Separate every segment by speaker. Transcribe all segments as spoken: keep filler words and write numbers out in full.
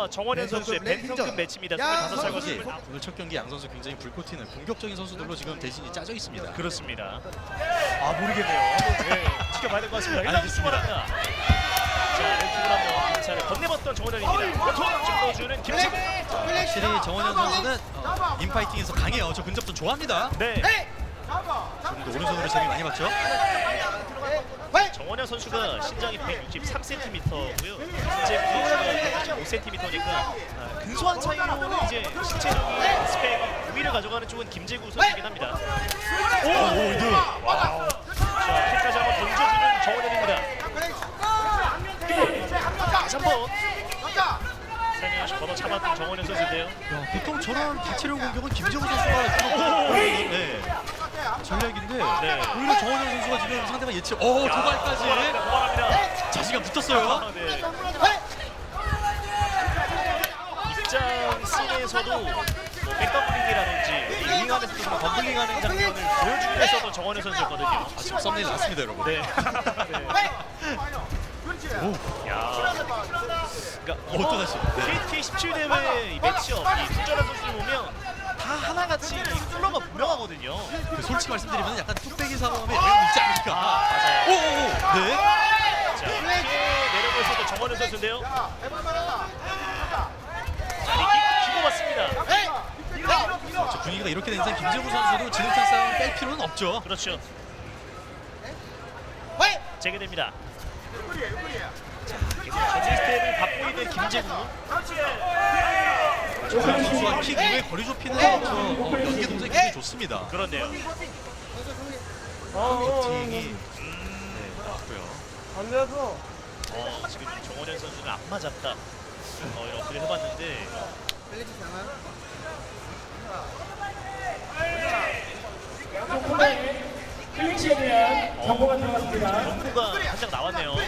Speaker 1: 선수와 정원현 선수의 벤턴급 매치입니다. 스물다섯 살
Speaker 2: 선수.
Speaker 1: 거슬.
Speaker 2: 오늘 첫 경기 양 선수 굉장히 불꽃 튀는 공격적인 선수들로 지금 대신이 짜져 있습니다.
Speaker 1: 그렇습니다. 아 모르겠네요. 한번 네, 지켜봐야 될 것 같습니다. 일 라운드 출발합니다. 자, 왼쪽으로 한번 인사를 건네봤던 정원현입니다. 원투 찍어주는 김재국.
Speaker 2: 확실히 정원현 선수는 어, 인파이팅에서 강해요. 저 근접전 좋아합니다.
Speaker 1: 네.
Speaker 2: 지금도 오른손으로 제일 많이 봤죠.
Speaker 1: 정원현 선수가 신장이 백육십삼 센티미터고요. 김재국 선수가 백육십오 센티미터니까 아, 근소한 차이로는 이제 신체적인 스펙 우위를 가져가는 쪽은 김재국 선수이긴 합니다. 오, 오, 이드. 와우. 자, 킥까지 한번 던져주는 정원현입니다. 다시 한번 살며시 걷어 참았던 정원현 선수인데요.
Speaker 2: 야, 보통 저런 다채로운 공격은 김재국 선수가 주로 네, 전략인데
Speaker 1: 네.
Speaker 2: 오히려 정원현 선수가 지금 상대방 예측. 오 도발까지.
Speaker 1: 도발합니다. 도발합니다.
Speaker 2: 자신감 붙었어요.
Speaker 1: 아, 네. 입장 씬에서도 뭐 백더블링이라든지 윙 안에서도 뭐 덤블링하는 장면을 보여주기 위해서도 정원현 선수였거든요.
Speaker 2: 아, 지금 썸네일 났습니다, 여러분.
Speaker 1: 네.
Speaker 2: 오,
Speaker 1: 야. 그러니까
Speaker 2: 어, 또 다시. 네.
Speaker 1: 케이티케이 십칠 대회 이 매치업 이 투자란 선수를 보면 다 하나같이 컬러가 분명하거든요.
Speaker 2: 그 솔직히 말씀드리면 약간 뚝배기 사범에 영향이 있지 않을까.
Speaker 1: 아, 맞아요.
Speaker 2: 오오오. 네.
Speaker 1: 자, 이렇게 내려보셔도 정원현 선수인데요. 자, 리킥 주고 받습니다.
Speaker 2: 그렇죠. 분위기가 이렇게 된 이상 김재국 선수도 진흙탕 싸움 뺄 필요는 없죠.
Speaker 1: 그렇죠. 재개됩니다. 자, 계속 저지 스텝을 받고 있는 김재국.
Speaker 2: 정원 선수가 킥 이후에 거리 좁히는 저, 어, 연계 동작이 굉장히 좋습니다.
Speaker 1: 그런데요.
Speaker 2: 버팅이 네, 나왔고요.
Speaker 1: 어, 지금 정원현 선수는 안 맞았다. 어, 이런 어필을 해봤는데.
Speaker 3: 클린치에 대한 정보가 들어갔습니다.
Speaker 1: 정보가 한 장 나왔네요. 오!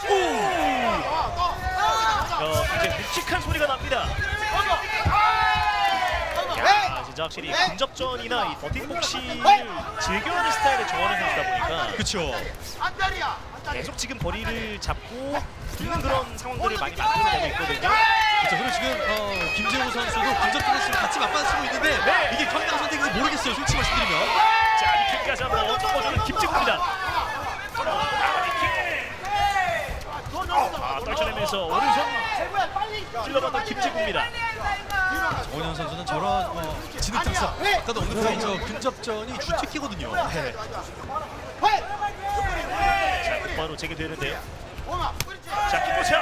Speaker 1: 어, 굉장히 묵직한 소리가 납니다. 야, 진짜 확실히 근접전이나 이 버팅복싱을 즐겨하는 스타일의 정원현 선수다 보니까
Speaker 2: 그렇죠.
Speaker 1: 계속 지금 거리를 잡고 붙는 그런 상황들을 많이 만들어내고 있거든요.
Speaker 2: 그렇죠. 그리고 지금 어, 김재국 선수도 근접전에서 지금 같이 맞받치고 있는데
Speaker 1: 네.
Speaker 2: 이게 경기장 선택인지 모르겠어요. 솔직히 말씀드리면.
Speaker 1: 자, 리킥까지 한번 접어주는 김재국입니다. 아, 리킥. 아, 떨쳐내면서 오른손 찔러봤던 김재국입니다.
Speaker 2: 정원현 선수는 저런 어, 진흙탕 싸움, 아까도 언급한 저 근접전이 주특기거든요.
Speaker 1: 네. 자, 곧바로 재개되는데요. 자, 킥포차.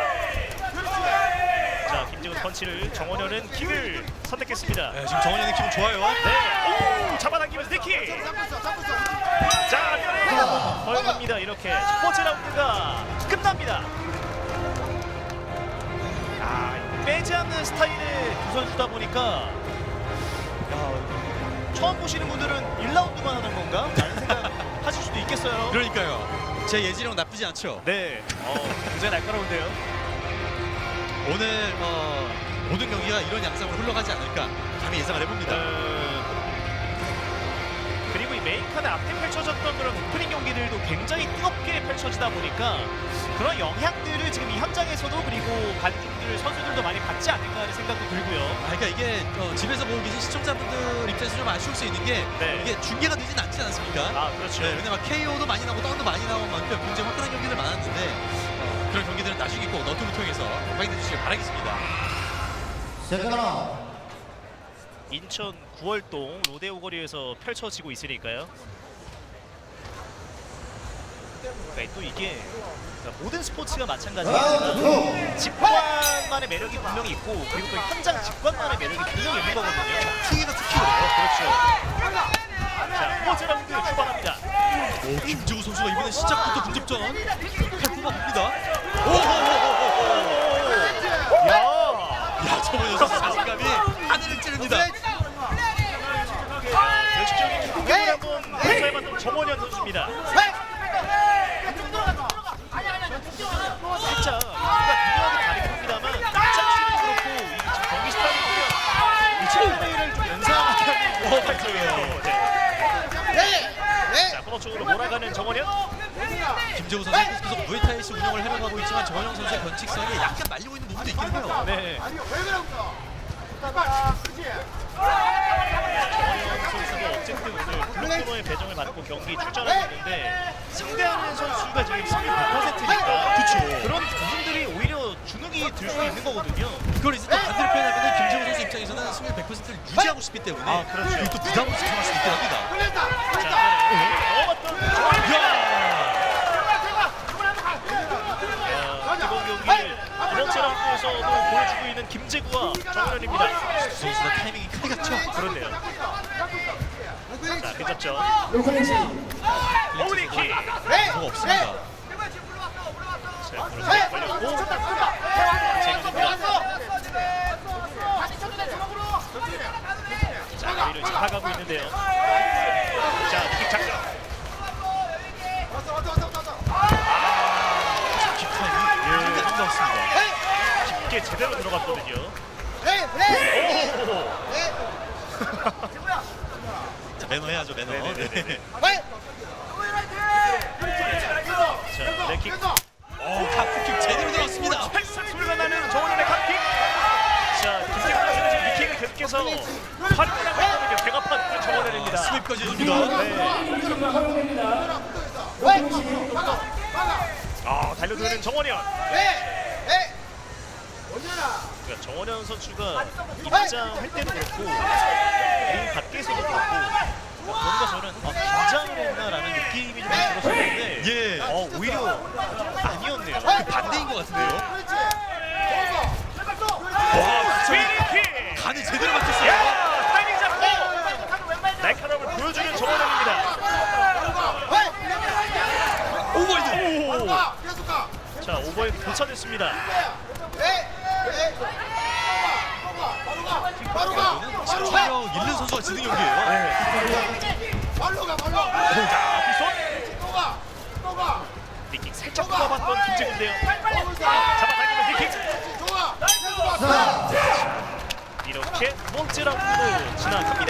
Speaker 1: 자, 김재국 펀치를 정원현은 킥을 선택했습니다.
Speaker 2: 네, 지금 정원현의 기분 좋아요.
Speaker 1: 네, 오, 잡아당기면서 니킥. 자, 면에 걸립니다. 이렇게 첫 번째 라운드가 끝납니다. 아, 빼지 않는 스타일의 두 선수다 보니까 야, 처음 보시는 분들은 일 라운드만 하는 건가? 라는 생각 하실 수도 있겠어요.
Speaker 2: 그러니까요. 제 예지력 나쁘지 않죠.
Speaker 1: 네, 어, 굉장히 날카로운데요.
Speaker 2: 오늘 어, 모든 경기가 이런 양상으로 흘러가지 않을까 감히 예상을 해봅니다.
Speaker 1: 어, 그리고 이 메인카드 앞에 펼쳐졌던 그런 오프닝 경기들도 굉장히 뜨겁게 펼쳐지다 보니까 그런 영향들을 지금 이 현장에서도 그리고 관중들, 선수들도 많이 받지 않을까 하는 생각도 들고요.
Speaker 2: 아, 그러니까 이게 어, 집에서 보고 계신 시청자분들 입장에서 좀 아쉬울 수 있는 게
Speaker 1: 네.
Speaker 2: 이게 중계가 되진 않지 않습니까?
Speaker 1: 아, 그렇죠.
Speaker 2: 네, 왜냐면 케이오도 많이 나오고 다운도 많이 나온 만큼 굉장히 화끈한 경기들 많았는데 어, 그런 경기들은 나중에 꼭 너튜브 통해서 확인해 주시길 바라겠습니다.
Speaker 1: 인천 구월동 로데오 거리에서 펼쳐지고 있으니까요. 그러니까 또 이게 그러니까 모든 스포츠가 마찬가지겠지만 직관만의 매력이 분명히 있고 그리고 또 현장 직관만의 매력이 분명히 있는 거거든요.
Speaker 2: 특이가 특히 그래요.
Speaker 1: 그렇죠. 자, 첫 번째 라운드 출발합니다.
Speaker 2: 오, 김재우 선수가 이번에 시작부터 근접전 칼 뽑아봅니다. 오오오오오.
Speaker 1: 야,
Speaker 2: 야, 정원현 선수 자신감이 하늘을 찌릅니다.
Speaker 1: 결정적인 공격을 한번 선사해봤던 정원현 선수입니다. 진짜 누가 누구하고 다르긴 합니다만 입장식도 그렇고 이 지금 경기 스타일이 보면 이 칠레이를 좀 연상하는 것 같아요. 네. 자, 코너 쪽으로 몰아가는 정원현.
Speaker 2: 김재우 선수 계속 무에타이식 운영을 해나가고 있지만 정원영 선수의 변칙성이 약간 말리고 있는 부분도 있긴 해요.
Speaker 1: 네. 정원영 선수도 어쨌든 오늘 블록 코너의 배정을 받고 경기 출전하고 있는데 상대하는 선수가 지금 승률 백 퍼센트니까
Speaker 2: 그쵸.
Speaker 1: 그런 부분들이 오히려 주눅이 들 수 있는 거거든요.
Speaker 2: 그걸 이제 또 반대로 표현하면 김재우 선수 입장에서는 승률 백 퍼센트를 유지하고 싶기 때문에
Speaker 1: 아, 그렇죠.
Speaker 2: 그게 또 부담으로 생각할 수 있긴 합니다.
Speaker 1: 자, 넣어봤던 정원영. 이번 경기를 이번 라운드에서도 보여주고 있는 김재구와 정원현입니다.
Speaker 2: 두 선수 다 타이밍이 크게 같죠?
Speaker 1: 그런데요. 자, 괜찮죠?
Speaker 3: 노클래시
Speaker 1: 오리킥.
Speaker 2: 뭐가 없습니다.
Speaker 1: 자, 그렇죠. 걸렸고. 재밌습니다. 자, 오히려 잡아가고 있는데요. 자, 킥 작전. 깊게 제대로 들어갔거든요. 오!
Speaker 2: 자, 매너 해야죠, 매너.
Speaker 1: 네네네네. 자, leg 킥.
Speaker 2: 어, 카프킥 제대로 들어갔습니다.
Speaker 1: 팔싹 소리가 나는 정원현의 킥. 자, 김태균 선수는 지금 이 킥을 계속해서 활용을 하고 있거든요. 배가 판 정원현입니다.
Speaker 2: 스윕까지 해줍니다.
Speaker 1: 네.
Speaker 3: 허용됩니다. 노클래시
Speaker 1: 아, 달려드는 정원현. 그러니까 정원현 선수가 입장할 때도 그렇고 링 밖에서도 그렇고 뭔가 저는 아, 긴장을 했나라는 느낌이 좀 들었었는데
Speaker 2: 예.
Speaker 1: 어, 오히려 아니었네요.
Speaker 2: 그 반대인 것 같은데요.
Speaker 1: 와, 스피니킥!
Speaker 2: 간을 제대로 맞췄어요.
Speaker 1: 야, 타이밍 잡고 날카로움을 보여주는 정원현입니다.
Speaker 2: 오버헤드.
Speaker 1: 오! 자, 오버헤드 도착했습니다.
Speaker 2: 촬영 잃는 선수가 지는 경기예요.
Speaker 1: 네. 자, 뒷손 니킥 살짝 뽑아봤던 김재구인데요. 잡아당기는 니킥. 이렇게 두 번째 라운드로 진행합니다.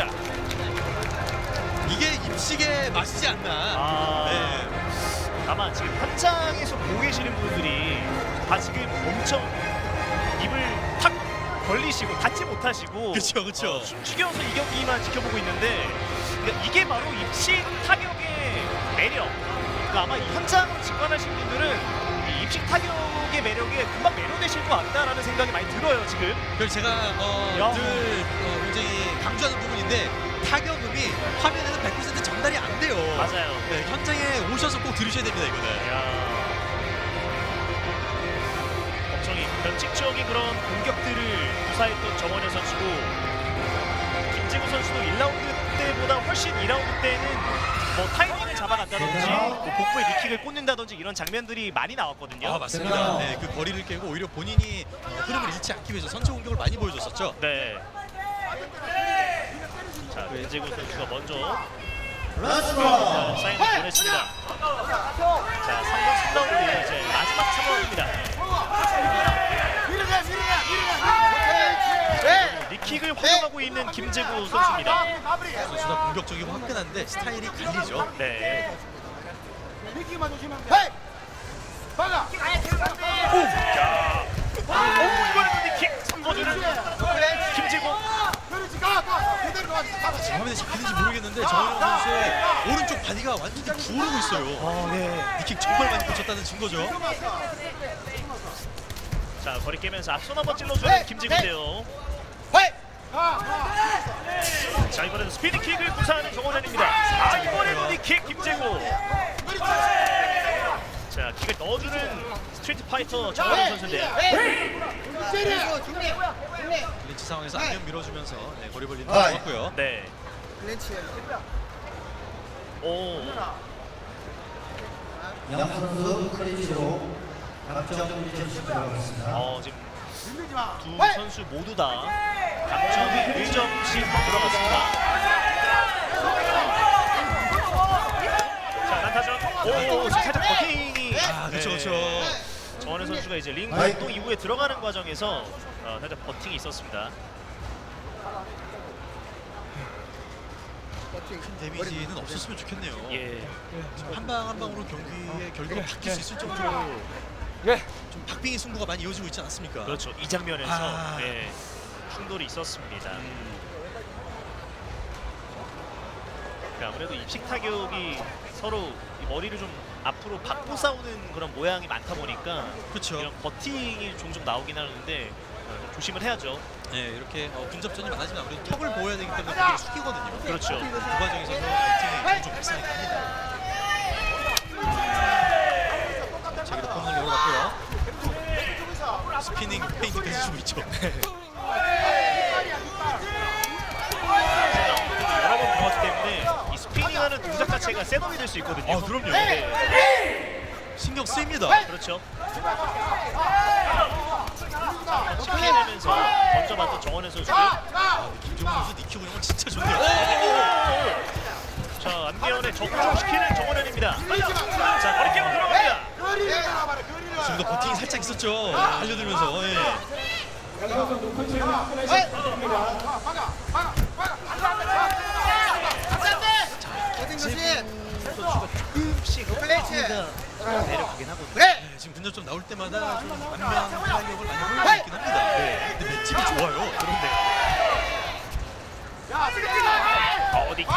Speaker 2: 이게 입식의 맛이지 않나.
Speaker 1: 아,
Speaker 2: 네.
Speaker 1: 다만 지금 현장에서 보고 계시는 분들이 다 지금 엄청 입을 탁 벌리시고 닫지 못하시고
Speaker 2: 그쵸, 그쵸.
Speaker 1: 어, 숨죽여서 이 경기만 지켜보고 있는데 그러니까 이게 바로 입식 타격의 매력. 그러니까 아마 이 현장을 직관하신 분들은 이 입식 타격의 매력에 금방 매료되실 것 같다라는 생각이 많이 들어요 지금.
Speaker 2: 그래서 제가 어,
Speaker 1: 야.
Speaker 2: 늘 어, 굉장히 강조하는 부분인데 타격음이 화면에는 백 퍼센트 전달이 안 돼요.
Speaker 1: 맞아요.
Speaker 2: 네, 현장에 오셔서 꼭 들으셔야 됩니다, 이거는.
Speaker 1: 야. 엄청 이 변칙적인 그런 공격들을 구사했던 정원현 선수고 김재구 선수도 일 라운드 때보다 훨씬 이 라운드 때는 뭐 타이밍을 잡아간다든지 뭐 복부에 니킥을 꽂는다든지 이런 장면들이 많이 나왔거든요.
Speaker 2: 아, 맞습니다. 네, 그 거리를 깨고 오히려 본인이 어, 흐름을 잃지 않기 위해서 선체 공격을 많이 보여줬었죠.
Speaker 1: 네. 자, 김재구 선수가 먼저 자, 사인을 보냈습니다. 자, 삼 번 삼 라운드 이제 마지막 삼 라운드입니다. 니킥을 활용하고 있는 김재구 선수입니다.
Speaker 2: 선수가 공격적이고 화끈한데 스타일이 갈리죠.
Speaker 1: 네. 오, 이번에도 니킥 삼 번으로 김재구.
Speaker 2: 지금 화면에 잡히는지 모르겠는데 정현영 선수의 오른쪽 바디가 완전히 부어오르고 있어요.
Speaker 1: 아, 네.
Speaker 2: 니킥 정말 많이 꽂혔다는 증거죠.
Speaker 1: 자, 거리 깨면서 앞손 한번 찔러주는 김재구인데요. 자, 이번에도 스피드킥을 구사하는 정원현입니다. 아, 이번에도 니킥 김재구. 자, 킥을 넣어주는 스트리트 파이터 정원현 선수인데요.
Speaker 2: 클린치 상황에서 안면 밀어주면서 네, 거리 벌리는 거 좋았고요.
Speaker 1: 네. 오.
Speaker 4: 양 선수 클린치로 감점 일 점씩 들어가겠습니다.
Speaker 1: 어, 지금 두 선수 모두 다 감점이 일 점씩 들어갔습니다. 자, 난타전. 오, 지금 살짝 버팅이.
Speaker 2: 아, 그렇죠, 그렇죠.
Speaker 1: 정원현 선수가 이제 링 활동 이후에 들어가는 과정에서 어, 살짝 버팅이 있었습니다.
Speaker 2: 큰 데미지는 없었으면 좋겠네요.
Speaker 1: 예.
Speaker 2: 한 방 한 방으로 경기의 결과가 바뀔 수 있을 정도로 좀 박빙의 승부가 많이 이어지고 있지 않습니까?
Speaker 1: 그렇죠. 이 장면에서
Speaker 2: 아.
Speaker 1: 예, 충돌이 있었습니다. 그 아무래도 입식 타격이 서로 이 머리를 좀 앞으로 받고 싸우는 그런 모양이 많다 보니까
Speaker 2: 그렇죠.
Speaker 1: 이런 버팅이 종종 나오긴 하는데 어, 좀 조심을 해야죠.
Speaker 2: 네, 이렇게 어, 근접전이 많아지면 아무래도 턱을 보여야 되기 때문에 되게 숙이거든요.
Speaker 1: 그렇죠.
Speaker 2: 그 과정에서 버팅이 종종 발생이 됩니다. 자, 여기도 코너를 열어봤고요. 스피닝 페인트까지 주고 있죠.
Speaker 1: 여러 번 들어갔기 때문에 이 스피닝하는 동작 자체가 셋업이 될 수 있거든요.
Speaker 2: 아, 그럼요.
Speaker 1: 네.
Speaker 2: 신경 쓰입니다.
Speaker 1: 그렇죠. 칩해내면서 던져봤던 정원현 선수.
Speaker 2: 아, 김종훈 선수 니키고 있는 건 진짜 좋네요.
Speaker 1: 자, 안기현의 적중시키는 정원현입니다. 자, 머리깨고 들어갑니다.
Speaker 2: 지금도 버팅이 살짝 있었죠. 달려들면서. 예.
Speaker 3: 양선수 노컨체를 확인하셔야 됩니다.
Speaker 1: 선수가 조금씩 내려가긴 하거든요.
Speaker 2: 네, 지금 근접점 나올 때마다 좀 안면 타격을 많이 보여주고 있긴 합니다. 네. 근데 맷집이 좋아요.
Speaker 1: 그런데 어, 니키.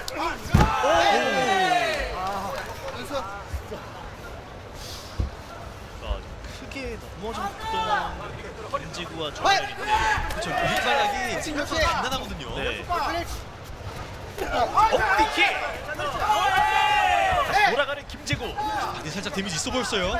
Speaker 1: 어, 크게 넘어졌던 김지구와 정현인데
Speaker 2: 그렇죠. 윗발락이 생각보다 단단하거든요.
Speaker 1: 네. 어, 니키. 다시 돌아가는 김지구.
Speaker 2: 바디 살짝 데미지 있어 보였어요.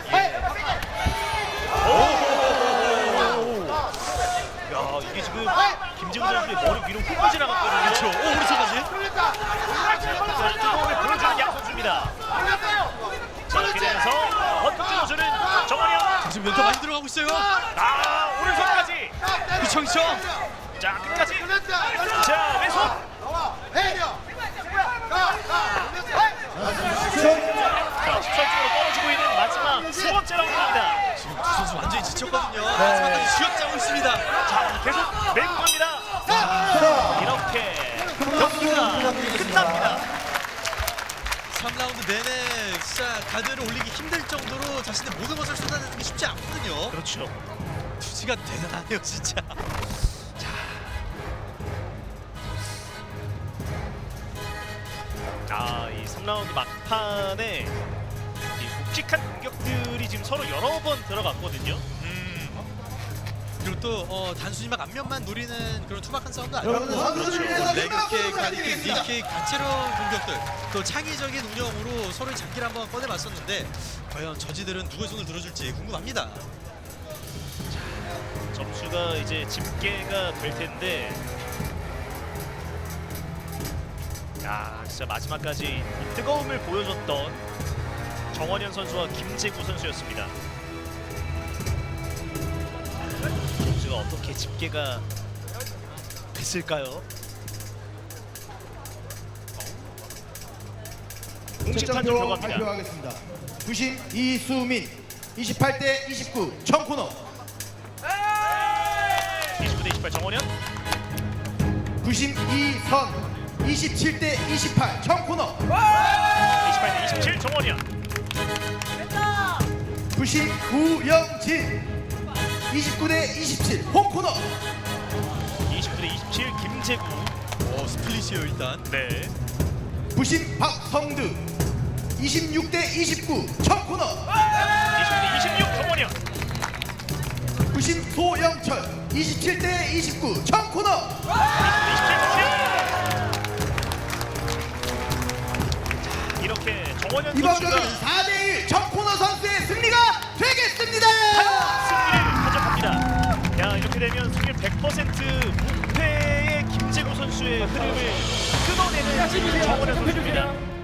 Speaker 1: 야, 이게 지금 김지구 선수의 머리 위로 훅 지나갔거든요.
Speaker 2: 그렇죠. 오, 오른손까지.
Speaker 1: 뜨거움을 보여주는 양 선수입니다. 자, 이렇게 되면서 원투 찍어주는 정원영.
Speaker 2: 지금 멘트 많이 들어가고 있어요.
Speaker 1: 아, 오른손까지.
Speaker 2: 그쵸, 그쵸.
Speaker 1: 자, 끝까지. 자, 왼손. 자, 십선쪽으로 떨어지고 있는 마지막 세 번째 라운드입니다.
Speaker 2: 지금 두 선수 완전히 지쳤거든요. 마지막까지 쥐어짜고 있습니다.
Speaker 1: 자, 계속 밀고 갑니다. 이렇게 경기가 끝납니다.
Speaker 2: 삼 라운드 내내 진짜 가드를 올리기 힘들 정도로 자신의 모든 것을 쏟아내는 게 쉽지 않거든요.
Speaker 1: 그렇죠.
Speaker 2: 투지가 대단하네요, 진짜.
Speaker 1: 아, 이 삼 라운드 막판에 이 묵직한 공격들이 지금 서로 여러 번 들어갔거든요.
Speaker 2: 그리고 또 어, 단순히 막 앞면만 노리는 그런 투박한 싸움도
Speaker 4: 여러분들
Speaker 2: 아니고
Speaker 4: 선수들을
Speaker 2: 그렇죠.
Speaker 4: 위해서
Speaker 2: 레그킥,
Speaker 4: 박수
Speaker 2: 가드킥,
Speaker 4: 부탁드립니다.
Speaker 2: 닉킥, 다채로운 공격들 또 창의적인 운영으로 서로의 잡기를 한번 꺼내봤었는데 과연 저지들은 누구의 손을 들어줄지 궁금합니다.
Speaker 1: 점수가 이제 집계가 될 텐데, 야, 진짜 마지막까지 이 뜨거움을 보여줬던 정원현 선수와 김재구 선수였습니다. 점수가 어떻게 집계가 됐을까요? 공식 판정
Speaker 4: 득점표
Speaker 1: 결과입니다.
Speaker 4: 발표하겠습니다. 부심 이수민 이십팔 대 이십구 청코너.
Speaker 1: 이십구 대 이십팔 정원현.
Speaker 4: 부심 이선 이십칠 대 이십팔 청코너.
Speaker 1: 이십팔 대 이십칠 정원현.
Speaker 4: 부심 구영진 이십구 대 이십칠 홈코너.
Speaker 1: 이십구 대 이십칠 김재구.
Speaker 2: 오, 스플릿이에요 일단.
Speaker 1: 네.
Speaker 4: 부심 박성드 이십육 대 이십구 청코너.
Speaker 1: 이십구 대 이십육 정원현.
Speaker 4: 부심 소영철 이십칠 대 이십구 청코너.
Speaker 1: 이십칠 정원현. 이렇게 정원현
Speaker 4: 이번
Speaker 1: 선수가
Speaker 4: 경기는 사 대 일 청코너 선수의 승리가 되겠습니다.
Speaker 1: 승리를 가져갑니다. 야, 이렇게 되면 승률 백 퍼센트 무패의 김재구 선수의 흐름을 끊어내는 정원현 선수입니다.